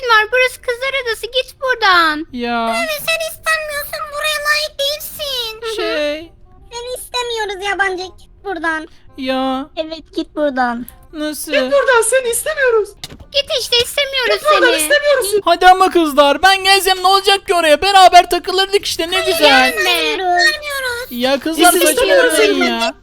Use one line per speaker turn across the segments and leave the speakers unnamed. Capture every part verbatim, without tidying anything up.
işin var? Burası kızlar adası. Git buradan.
Ya
Evet, sen istenmiyorsun. Buraya layık değilsin.
şey
Seni istemiyoruz yabancı. Git buradan.
ya
Evet, git buradan.
nasıl?
Buradan seni istemiyoruz.
Git işte, istemiyoruz
Buradan
seni.
istemiyorsun.
Hadi ama kızlar ben gelsem ne olacak ki oraya? Beraber takılırdık işte ne güzel.
Gelme.
İstemiyoruz.
Ya kızlar
Biz
saçmalamayın
istemiyoruz
ya.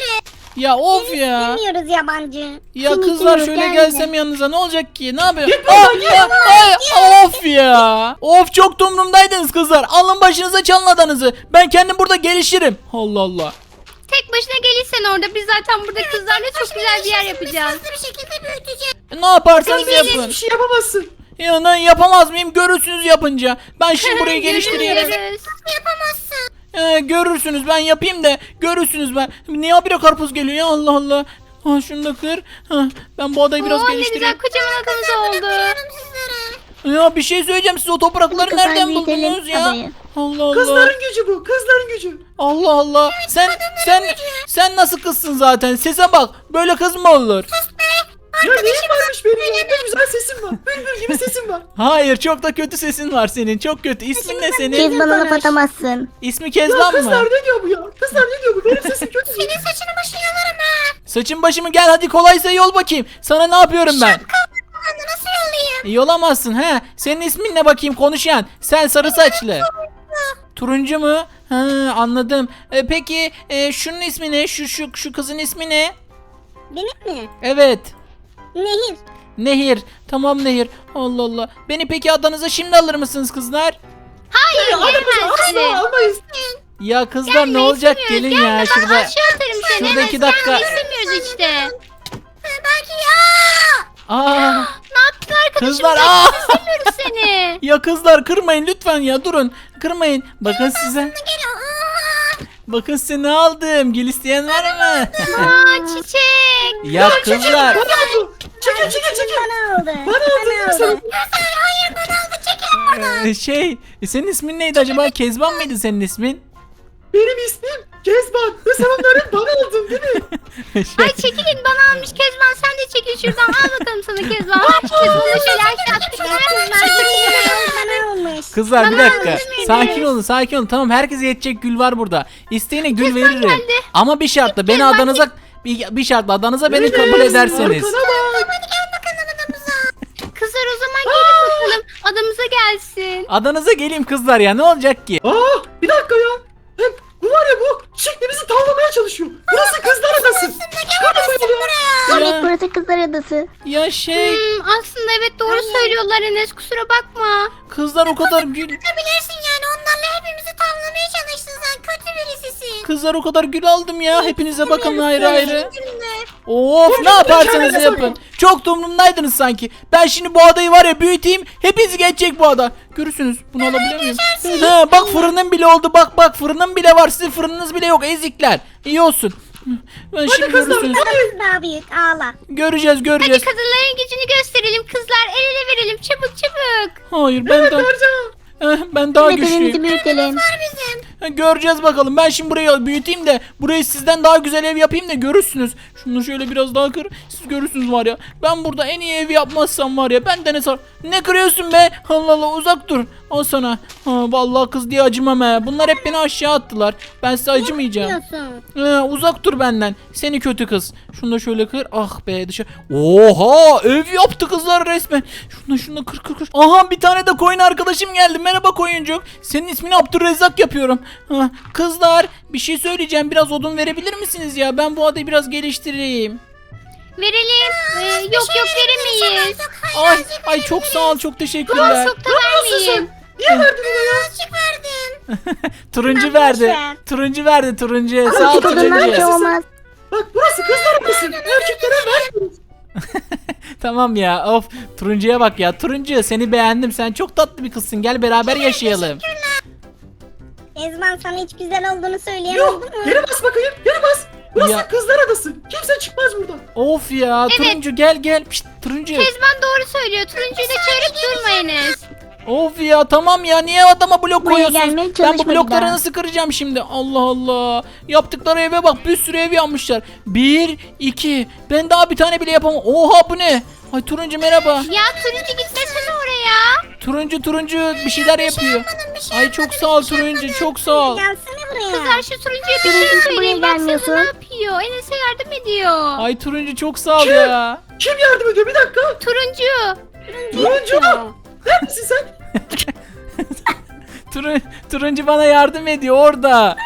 Ya of ya.
İstemiyoruz yabancı.
Ya
Seni
kızlar
istemiyoruz,
şöyle
gelme.
gelsem yanınıza ne olacak ki? Ne yapıyor?
Git
Aa,
buradan, git
aa, ay, of ya. Of çok dumrumdaydınız kızlar. Alın başınıza çalın adanızı. Ben kendim burada gelişirim. Allah Allah.
Tek başına gelirsen orada. Biz zaten burada kızlarla çok güzel bir yer yapacağız.
Hızlı bir şekilde büyüteceğiz.
E, Ne yaparsanız yapın.
Hiçbir şey yapamazsın.
Ya ne yapamaz mıyım? Görürsünüz yapınca. Ben şimdi burayı geliştireyim.
Görüşürüz.
Yapamazsın.
Ee, görürsünüz ben yapayım da görürsünüz ben. Niye habire karpuz geliyor ya Allah Allah. Ha, şunu da kır. Ha, ben bu adayı biraz
Oo, ne
geliştireyim.
güzel kocaman adamız oldu.
Bırakıyorum sizlere.
Ya bir şey söyleyeceğim siz o toprakları
Kızlar
nereden
büyütelim
buldunuz ya?
adayı.
Allah Allah.
Kızların gücü bu. Kızların gücü.
Allah Allah. Sen sen sen nasıl kızsın zaten? Sese bak. Böyle kız mı olur?
Ya neyin varmış benim ya? Ne güzel sesim var. Bülbül gibi sesim var.
Hayır, çok da kötü sesin var senin. Çok kötü. İsmin ne senin?
Kezban'a laf atamazsın.
İsmi
Ya
Kezban
kızlar
mı?
ne diyor bu ya? Kızlar ne diyor bu? Benim sesim kötü.
Senin saçını başını yolarım ha.
Saçın başımı gel hadi kolaysa yol bakayım. Sana ne yapıyorum ben?
Anne nasıl yollayayım?
Yolamazsın he. Senin ismin ne bakayım konuşan? Sen sarı saçlı. Turuncu mu? Ha, anladım. E, peki e, şunun ismi ne? Şu şu şu kızın ismi ne?
Benim mi?
Evet.
Nehir.
Nehir. Tamam Nehir. Allah Allah. Beni peki adanıza şimdi alır mısınız kızlar?
Hayır, gelmezsin.
Asla almayız.
Ya kızlar
Gelme,
ne olacak
istemiyoruz.
gelin ya
Gelme,
şurada.
ben aşağı atarım seni.
şurada
Evet,
iki dakika.
gelme, istemiyoruz işte.
Belki ya.
Aa,
Ne yaptın arkadaşım?
kızlar
Gelme,
aa.
istemiyoruz seni.
Ya kızlar kırmayın lütfen ya durun. Kırmayın. Bakın size.
Geliyor. Aa.
Bakın size ne aldım. Gel isteyen var mı?
Aa, çiçek.
ya kızlar.
Bana oldu. Çekil çekil çekil.
Bana aldı.
Bana aldı değil mi sen?
Hayır bana aldı. Çekil.
Ee, şey senin ismin neydi acaba? Kezban mıydı senin ismin?
Benim ismim Kezban. Ve sen onları bana aldın değil mi?
Şey,
Ay çekilin, bana almış Kezban. Sen de çekil şuradan. Al bakalım sana Kezban. Kezban'ı şöyle aşağı attık.
Bana olmuş.
kızlar bir
Bana
dakika.
aldın beni.
Sakin olun sakin olun. Tamam herkese yetecek gül var burada. İsteyene gül veririm.
geldi.
Ama bir şartla beni
Kezban
adanıza bir, bir şartla adanıza beni kabul
Enes,
ederseniz.
Arkana bak.
Kızlar o zaman gelin bakalım. Adamıza gelsin.
Adanıza geleyim kızlar ya ne olacak ki?
Aa bir dakika ya. Hem bu var ya bu çiçekle bizi tavlamaya çalışıyor. Burası kızlar adası. Çıkarmasın ya.
Ya,
Evet burası kızlar adası.
ya şey
Hmm, aslında evet doğru söylüyorlar Enes. Kusura bakma.
kızlar o kadar gül
Bilirsin yani onlarla hepimizi tavlamaya çalıştın sen. Kötü birisisin.
kızlar o kadar gül aldım ya. Hepinize bakın ayrı ayrı.
Üzülme.
Of ne yaparsanız yapın. Çok da umurumdaydınız sanki. Ben şimdi bu adayı var ya büyüteyim. Hepinizi geçecek bu ada. Görürsünüz. Bunu alabilir miyim? He, bak fırının bile oldu. Bak bak fırının bile var. Sizin fırınınız bile yok ezikler. İyi olsun. Ben şimdi
kızlar,
görürsünüz.
Adamız daha büyük ağla.
Göreceğiz
Hadi
göreceğiz.
kadınların gücünü gösterelim kızlar. El ele verelim. Çabuk çabuk.
Hayır ben daha
Ercan.
Eh, ben daha
Bedenimizi
güçlüyüm.
büyütelim.
Ha, göreceğiz bakalım. Ben şimdi burayı büyüteyim de burayı sizden daha güzel ev yapayım da görürsünüz. Şunu şöyle biraz daha kır. Siz görürsünüz var ya. Ben burada en iyi ev yapmazsam var ya. Ben de ne sar. Ne kırıyorsun be? Allah Allah uzak dur. Al sana. Ha, vallahi kız diye acımam he. Bunlar hep beni aşağı attılar. Ben size acımayacağım.
Diyorsun.
Ee, uzak dur benden. Seni kötü kız. Şunu da şöyle kır. Ah be dışarı. Oha ev yaptı kızlar resmen. Şunu da şunu da kır kır kır. Aha bir tane de koyun arkadaşım geldi. Merhaba koyuncuk. Senin ismini Abdurrezzak yapıyorum. Ha, kızlar bir şey söyleyeceğim. Biraz odun verebilir misiniz ya? Ben bu adayı biraz geliştireyim.
Verelim. Ee, yok yok veremeyiz.
Ay ay çok sağ ol. Çok teşekkürler.
Çok da vermeyeyim.
Niye verdin ona ya?
Açık verdim.
Turuncu
Ben
verdi.
boş ver.
Turuncu verdi turuncu. Sağ ol
Küçük odunlar
turuncu.
şey olmaz.
Bak burası kızlar adası. Erkeklere vermiyoruz.
Tamam ya of turuncuya bak ya turuncu seni beğendim sen çok tatlı bir kızsın gel beraber yaşayalım.
Ezman sana hiç güzel olduğunu söyleyen
Yok
oldu mu?
yere bas bakayım. Yere bas. Burası
Ya.
kızlar adası. Kimse çıkmaz buradan.
Of ya turuncu gel gel Pişt, turuncu.
Kezban doğru söylüyor. Turuncuyu da çağırıp durma Enes.
Of ya tamam ya niye adama blok
Buraya
koyuyorsunuz?
gelmeye
Ben bu
çalışma bir
blokları
daha.
nasıl kıracağım şimdi? Allah Allah. Yaptıkları eve bak bir sürü ev yapmışlar. Bir, iki. Ben daha bir tane bile yapamam. Oha bu ne? Ay turuncu merhaba.
Ya turuncu gitmesene oraya.
Turuncu turuncu bir şeyler yapıyor. Ay çok sağ ol turuncu, çok sağ ol.
Gelsene buraya.
Kızlar şu turuncuya bir şey
Turuncu
söyleyin.
buraya
Baksana
gelmiyorsun.
ne yapıyor. Enes'e yardım ediyor.
Ay turuncu çok sağ ol ya.
Kim yardım ediyor? Bir dakika.
Turuncu.
Turuncu mu? Neredesin sen?
Turun, turuncu bana yardım ediyor orada.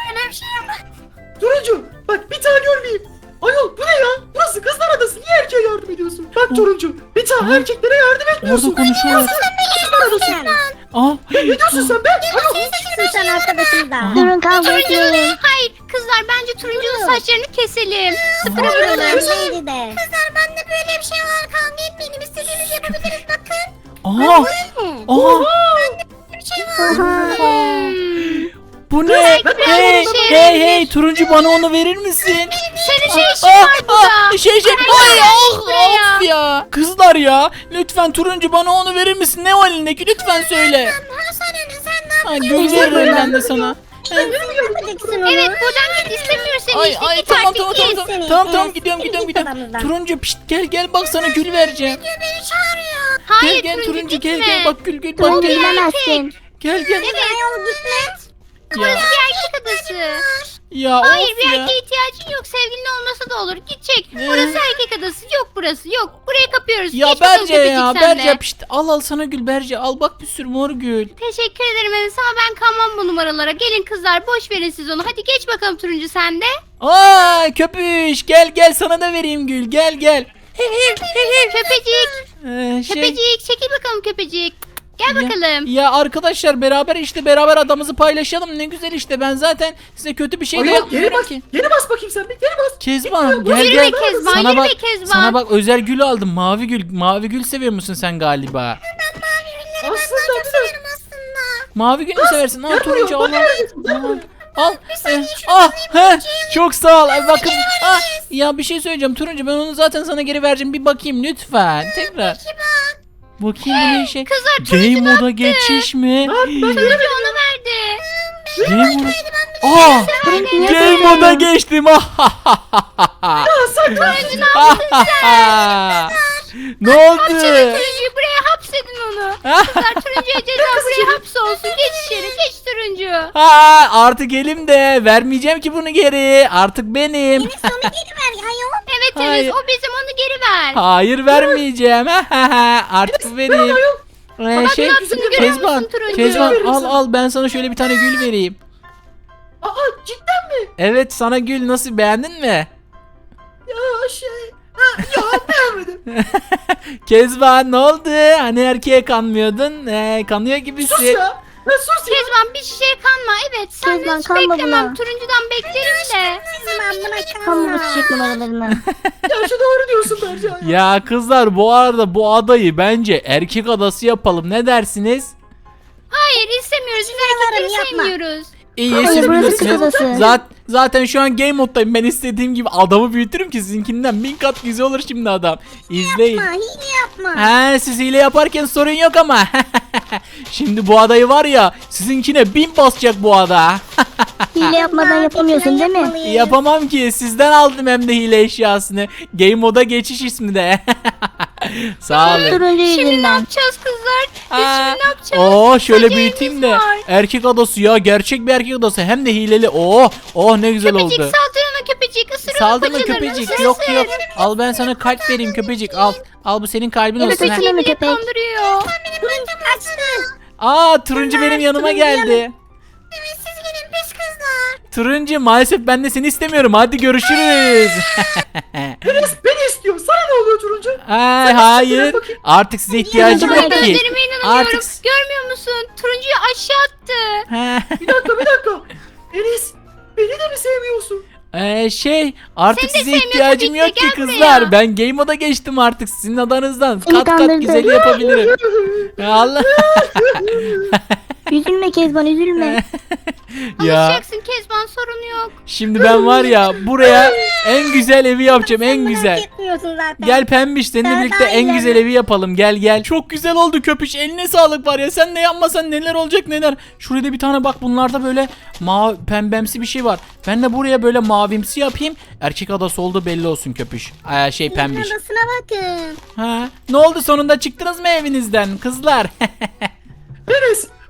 Turuncu. Bak bir tane görmeyeyim. Ayol bu ne ya? Burası kızlar adası. Niye erkeğe yardım ediyorsun? Bak Turuncu. Bir tane erkeklere yardım etmiyorsun.
Orada konuşuyorlar.
Kızlar adası.
Aa,
Ne diyorsun sen be? Ayol.
Sen arkadaşımdan.
Durun kavga etmeyin. Hayır kızlar bence turuncunun saçlarını keselim. Sıfıra vuralım.
Neydi de?
Kızlar bende böyle bir şey var. Kavga etmeyelim. İstediğinizi yapabiliriz bakın.
aa, aa,
Bir şey var.
bu ne?
Belki
Hey,
biraz bir şey
hey,
verebilir.
hey, turuncu bana onu verir misin?
Senin şey işin
Aa,
var burada.
aa, şey şey,
Ay,
ay
gel
ah,
buraya.
of ya. Kızlar ya, lütfen turuncu bana onu verir misin? Ne o elindeki? Lütfen söyle.
Sen Enes sen ne
Ay gül veririm ben de sana.
Yapacaksın onu.
Evet buradan git istemiyoruz seni
Ay
işte
ay
git
tamam
artık
tamam
git.
tamam tamam
seni.
tamam tamam
Evet,
gidiyorum
seni
gidiyorum
git
gidiyorum.
odamızdan.
Turuncu pişt gel gel bak sana gül vereceğim.
Beni çağırıyor. Hayır
Gel gel
turuncu
turuncu
gitme.
gel gel bak gül gül bak
Turuncu
gel.
bilemezsin.
Gel gel.
Evet.
Ayol gitme.
Ya,
Burası bir erkek adası.
ya
Hayır
of
bir
ya.
erkeğe ihtiyacın yok sevgilin olmasa da olur. Gidecek.
Ne?
Burası erkek adası yok burası yok. Buraya kapıyoruz.
Ya
Geç bakalım
Berce
köpecik
ya
sen de.
Berce pişt al al sana gül Berce al bak bir sürü mor gül.
Teşekkür ederim Enes ama ben kalmam bu numaralara. Gelin kızlar boş verin siz onu. Hadi geç bakalım turuncu sen de.
Aa köpüş gel gel sana da vereyim gül gel gel.
Köpecik.
Ee, şey,
Köpecik çekil bakalım köpecik. Gel
ya-
bakalım.
Ya arkadaşlar beraber işte beraber adamızı paylaşalım ne güzel işte ben zaten size kötü bir şey de
Ayol geri
yapmıyorum
bas.
ki.
Geri bas bakayım sen bir. Geri bas.
Kezban gel
Yürüme
gel.
Kezban,
Sana
yürüme
bak,
Kezban.
sana bak özel gül aldım mavi gül. Mavi gül seviyor musun sen galiba?
Aslında bir de.
Mavi gül mü seversin? Al
Gel
turuncu
buraya.
al.
Bak
al.
nerede?
Al. Eh, ah, he, çok sağ ol. Ay, bakın. Ah, ya bir şey söyleyeceğim turuncu ben onu zaten sana geri vereceğim. Bir bakayım lütfen. Tekrar. Bakayım bu ne şey?
Kızlar turuncu
Game
ne
moda
yaptı?
geçiş mi?
Turuncu onu verdi.
Game moda. Aa! Game moda geçtim. Ah,
Ya sen
Turuncu ne yaptın sen?
Ne oldu?
Turuncuyu buraya hapsedin onu. Kızlar turuncuya ceza buraya hapsolsun. Geç içeri geç turuncu.
Ha, artık elimde. Vermeyeceğim ki bunu geri. Artık benim.
Sonu geri ver ayol.
Evet
Hayır.
Enes o bizim onu geri ver.
Hayır vermeyeceğim. Artık bu benim. Ee,
Bak
şey,
ne yaptığını görüyor
Kezban,
musun turuncu?
Kezban
Verir
al
misin?
al ben sana şöyle bir tane gül vereyim.
Aa cidden mi?
Evet sana gül nasıl beğendin mi?
Ya şey. Ha, ya beğenmedim.
Kezban ne oldu? Hani erkeğe kanmıyordun? Ee, kanıyor
Sus
gibisin.
ya. Ya sus ya.
Kezban bir şişeye kanma. Evet sen
Kezban,
hiç
kanma
beklemem.
buna.
Turuncudan beklerim de.
Ben buna kalma. Kamu çiçek numaralarını.
Ya şu doğru diyorsun bence ya.
Ya kızlar bu arada bu adayı bence erkek adası yapalım. Ne dersiniz?
Hayır istemiyoruz. Biz erkekleri
yapma.
sevmiyoruz.
İyi
Hayır,
siz
burası
bilirsiniz.
kız adası.
Zaten, zaten şu an game moddayım. Ben istediğim gibi adamı büyütürüm ki sizinkinden bin kat güzel olur şimdi adam. İzleyin.
Yapma hile yapma.
He siz hile yaparken sorun yok ama. Şimdi bu adayı var ya sizinkine bin basacak bu ada.
Hile yapmadan yapamıyorsun değil mi?
Yapamam ki sizden aldım hem de hile eşyasını. Game moda geçiş ismi de. Sağ olun.
Turuncu
Şimdi ne
Aa,
yüzünden.
yapacağız kızlar? Biz şimdi ne yapacağız?
Oo şöyle
Sadece
büyüteyim de.
elimiz var.
Erkek adası ya gerçek bir erkek adası hem de hileli. Oh oh ne güzel
Köpecik
oldu.
saldır ona köpecik. Isır onu
Saldırma
paçalarını,
köpecik
ısır,
yok
ısır.
yok. Al ben sana kalp vereyim köpecik al. Al bu senin kalbin
Evet,
olsun. ha.
peki.
Beni
köpek.
kandırıyor.
Aa turuncu benim yanıma geldi.
Evet siz gelin pis kızlar.
Turuncu maalesef ben de seni istemiyorum. Hadi görüşürüz.
Enes beni istiyor. Sana ne oluyor Turuncu?
Ay
Sen
hayır.
istediğine bakayım.
Artık size ihtiyacım
Turuncu
yok ki.
Gözlerime inanamıyorum.
Artık
Görmüyor musun? Turuncuyu aşağı attı.
He.
Bir dakika bir dakika. Enes beni de mi sevmiyorsun?
Ee, şey artık
Seni de
size
sevmiyor
ihtiyacım
tabii
yok
ki,
ki
gel
kızlar.
buraya.
Ben game moda geçtim artık sizin adanızdan.
Seni
Kat kat
kandırdı.
güzeli yapabilirim. Ya Allah.
Üzülme Kezban üzülme.
Ya
Alışacaksın Kezban sorun yok.
şimdi ben var ya buraya en güzel evi yapacağım en
Merak
güzel.
etmiyorsun zaten.
Gel pembiş seninle
Ben
birlikte
daha
en
iyi
güzel evi yapalım gel gel. Çok güzel oldu köpüş eline sağlık var ya sen de yapmasan neler olacak neler. Şurada bir tane bak bunlarda böyle mavi pembemsi bir şey var. Ben de buraya böyle mavimsi yapayım. Erkek adası oldu belli olsun köpüş. Aa, şey pembiş.
Adasına bakın.
Ha, ne oldu sonunda çıktınız mı evinizden kızlar?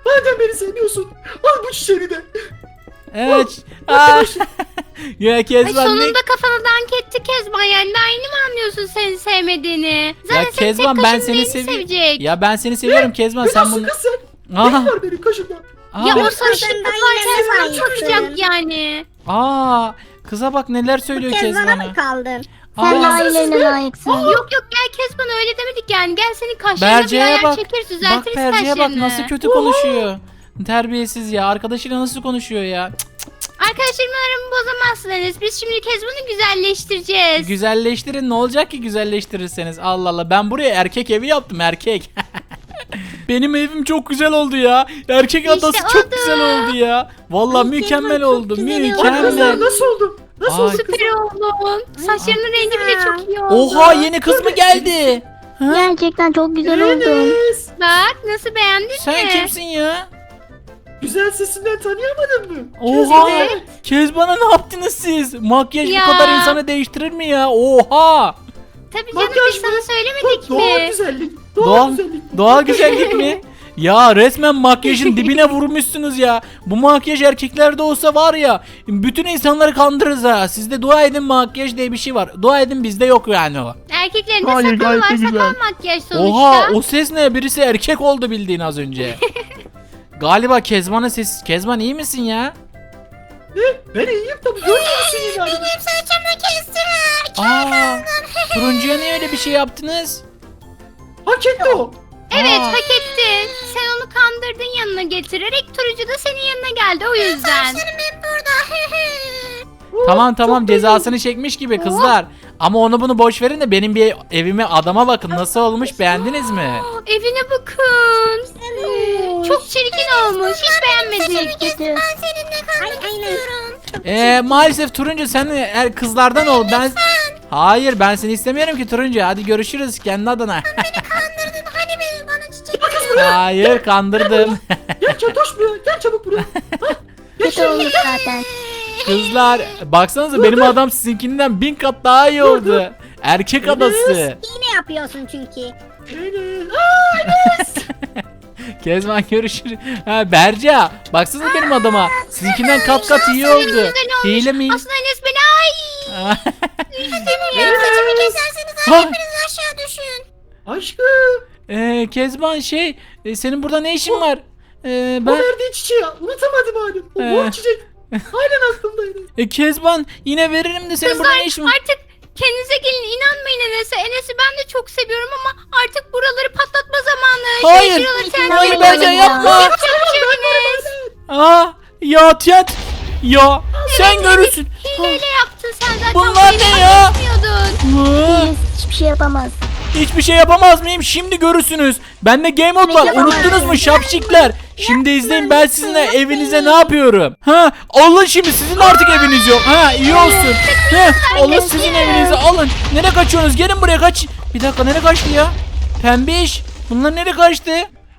Madem beni sevmiyorsun al bu çiçeğini de.
Evet. Aa.
Arkadaşım.
Ya
Ay
Kezban ne?
sonunda kafana dank etti Kezban, yani daha yeni mi anlıyorsun seni sevmediğini? Zaten
Ya
senin
Kezban
tek
ben
kaşın
seni
neyini
seviyorum.
sevecek?
Ya ben seni seviyorum Kezban
Ne
sen
diyorsun
bunu.
kız sen?
Aha.
Ne var benim kaşımda?
Aa.
Ya o
Benim
sarışın
kaşımdan
kafayı
yine
Kezban
layıksın.
tutacak yani.
Aa. Kıza bak neler söylüyor
Kezban'a
Kezban'a.
mı kaldın?
Aa.
Sen de ailelerine layıksın.
Yok yok gel Kezban, öyle demedik yani. Gel senin kaşlarına bir
Berce'ye
ayar
bak.
çekeriz,
Bak
düzeltiriz
Berce'ye bak
kaşlarını.
nasıl kötü konuşuyor. Terbiyesiz ya. Arkadaşıyla nasıl konuşuyor ya? Cık.
Arkadaşlarımı bozamazsın Enes. Biz şimdi Kezban'ı güzelleştireceğiz.
Güzelleştirin ne olacak ki güzelleştirirseniz. Allah Allah ben buraya erkek evi yaptım erkek. Benim evim çok güzel oldu ya. Erkek
İşte
adası çok
oldu.
güzel oldu ya. Vallahi
Ay,
mükemmel
Kezban çok
oldu.
güzel oldu.
Bak kızlar
Mükemmel.
nasıl oldu? Nasıl
Ay.
oldu kızlar?
Süper oldun. Saçlarının rengi bile çok iyi oldu.
Oha yeni kız mı geldi? Ha?
Gerçekten çok güzel oldun.
Enes.
Bak nasıl, beğendin
Sen
mi?
kimsin ya?
Güzel sesinden tanıyamadın mı?
Oha.
Kezban.
Kezban'a ne yaptınız siz? Makyaj
Ya.
bu kadar insanı değiştirir mi ya? Oha.
Tabii canım,
Makyaj
biz
mı?
sana söylemedik
Doğal
mi?
güzellik. Doğal,
Doğal,
güzellik.
doğal güzellik mi? Ya resmen makyajın dibine vurmuşsunuz ya. Bu makyaj erkeklerde olsa var ya bütün insanları kandırırız ha. Sizde dua edin makyaj diye bir şey var. Dua edin bizde yok yani o.
Erkeklerin de
Hayır,
sakalı
gayet
var,
de güzel.
sakal makyaj sonuçta.
Oha o ses ne? Birisi erkek oldu bildiğin az önce. Galiba Kezban'ın sesi. Kezban iyi misin ya?
Ne? Ben iyiyim tabii. Görmüyor musun yine halimi?
Benim saçımı kestir.
Aa, turuncuya niye öyle bir şey yaptınız?
Hak etti o.
Evet,
Aa.
hak ettin. Sen onu kandırdın yanına getirerek, Turuncu da senin yanına geldi o yüzden.
Saçlarım hep burada.
Tamam tamam
çok belli.
cezasını çekmiş gibi kızlar. Ama onu bunu boş verin de benim bir evime adama bakın nasıl olmuş beğendiniz mi?
Evine bakın. Hmm, Çok çirkin olmuş. Hiç beğenmedik.
Ben seninle kalmak istiyorum.
Ee, maalesef Turuncu sen er, kızlardan ol. Ben Hayır ben seni istemiyorum ki Turuncu. Hadi görüşürüz kendi adına.
Kandırdın. Hani benim bana çiçek
Hayır kandırdım.
Gel Çatoş buraya. Gel çabuk buraya. Hah, Gel
kötü
şuraya.
olmuş zaten.
Kızlar baksanıza benim adam sizinkinden bin kat daha iyi oldu. Erkek adası.
Yine yapıyorsun çünkü.
Enes. Aa,
Kezban görüşürüz. Ha Berca baksanıza benim adama. Sizinkinden kat kat iyi oldu.
Güzel olmuş.
Hile mi?
Aslında Enes beni ay.
Benim saçımı keserseniz
Ha.
hepiniz aşağı düşün.
aşkım.
Ee, Kezban şey e, senin burada ne işin var? Ee,
O
ben
verdiği çiçeği unutamadım halim. O
Ee.
mor çiçek. Halen aklımdaydı.
e, Kezban yine veririm de senin burada
Kızlar
ne işin var?
artık kendinize gelin, inanmayın Enes'e. Enes'i ben de çok seviyorum ama artık buraları patlatma zamanı.
Hayır,
Şey, şuraları sen
hayır
de
Berca
yapın.
yapma.
Yapacak bir şey yok Enes.
Aa ya Tiyat. Ya sen görürsün.
Hileyle yaptın sen zaten.
Bunlar
bu evi
ne ya?
patlatmıyordun.
Aa,
Hiçbir şey yapamaz.
hiçbir şey yapamaz mıyım? Şimdi görürsünüz. Bende game mode var. Unuttunuz mu şapşikler? Şimdi izleyin ben sizinle evinize ne yapıyorum. Ha alın şimdi sizin artık eviniz yok. Ha iyi olsun. Ha alın sizin evinizi alın. Nereye kaçıyorsunuz? Gelin buraya kaç. Bir dakika nereye kaçtı ya? Pembiş. Bunlar nereye kaçtı?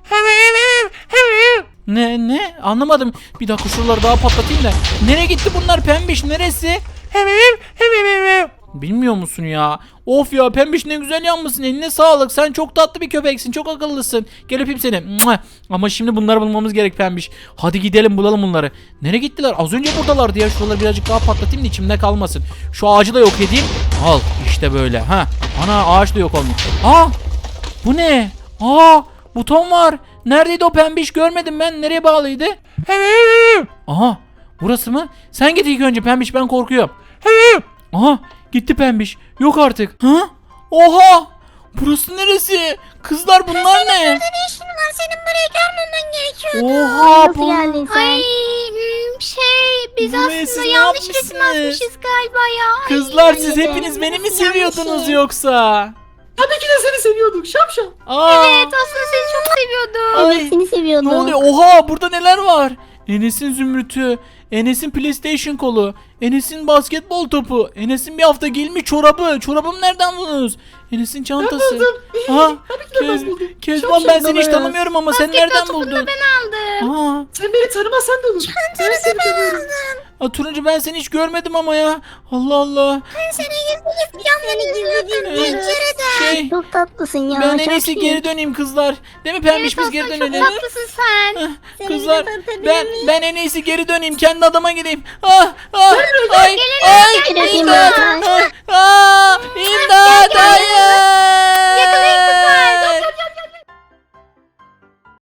Ne ne anlamadım. Bir dakika şuraları daha patlatayım da. Nereye gitti bunlar Pembiş neresi? Bilmiyor musun ya? Of ya Pembiş ne güzel yanmışsın eline sağlık. Sen çok tatlı bir köpeksin çok akıllısın. Gel öpeyim seni. Mua. Ama şimdi bunları bulmamız gerek Pembiş. Hadi gidelim bulalım bunları. Nereye gittiler? Az önce buradalardı ya. Şuraları birazcık daha patlatayım da içimde kalmasın. Şu ağacı da yok edeyim. Al işte böyle. Ha. Ana ağaç da yok olmuş. Aa bu ne? Aa buton var. Neredeydi o Pembiş görmedim ben. Nereye bağlıydı? Aha burası mı? Sen git ilk önce Pembiş ben korkuyorum. Aha gitti Pembiş. Yok artık. Ha? Oha! Burası neresi? Kızlar bunlar ne?
Ne işin var? Senin burayı görmemen gerekiyor.
Oha
Nasıl
bu.
geldin sen?
Ay hmm, şey biz
Buraya siz
aslında
ne
yanlış resim
yapmışsınız?
atmışız galiba ya. Ay.
Kızlar siz
Ay,
hepiniz beni mi
yanlış
seviyordunuz
şey.
yoksa?
Tabii ki de seni seviyorduk şapşal.
Aa!
Evet aslında seni çok seviyordum.
Ay,
Seni seviyordum.
ne oluyor? Oha burada neler var? Enes'in zümrütü, Enes'in PlayStation kolu, Enes'in basketbol topu, Enes'in bir hafta giyilmiş çorabı. Çorabımı nereden buldunuz? Enes'in çantası.
buldum.
Aha,
Tabii ki de ben
Kez,
buldum.
Kezban
Şapşal
ben seni hiç
baba ya.
tanımıyorum ama sen
Basketbol
nereden
topunu da
buldun?
ben aldım. tanıdım.
Aa,
Sen beni tanımasan da olur. Ben seni tanıyorum.
aa, turuncu ben seni hiç görmedim ama ya. Allah Allah.
Ben seni gizli gizli camları izliyordum pencerede.
Şey
Çok tatlısın ya.
ben en
çok
iyisi
iyi.
geri döneyim kızlar. Değil mi Pembiş, biz
Evet
geri
Aslan, çok
dönelim.
tatlısın sen.
Ah,
Seni
Kızlar
de tanıtabilir
ben
miyim?
ben en iyisi geri döneyim, kendi adama gideyim. Ah, ah, ay,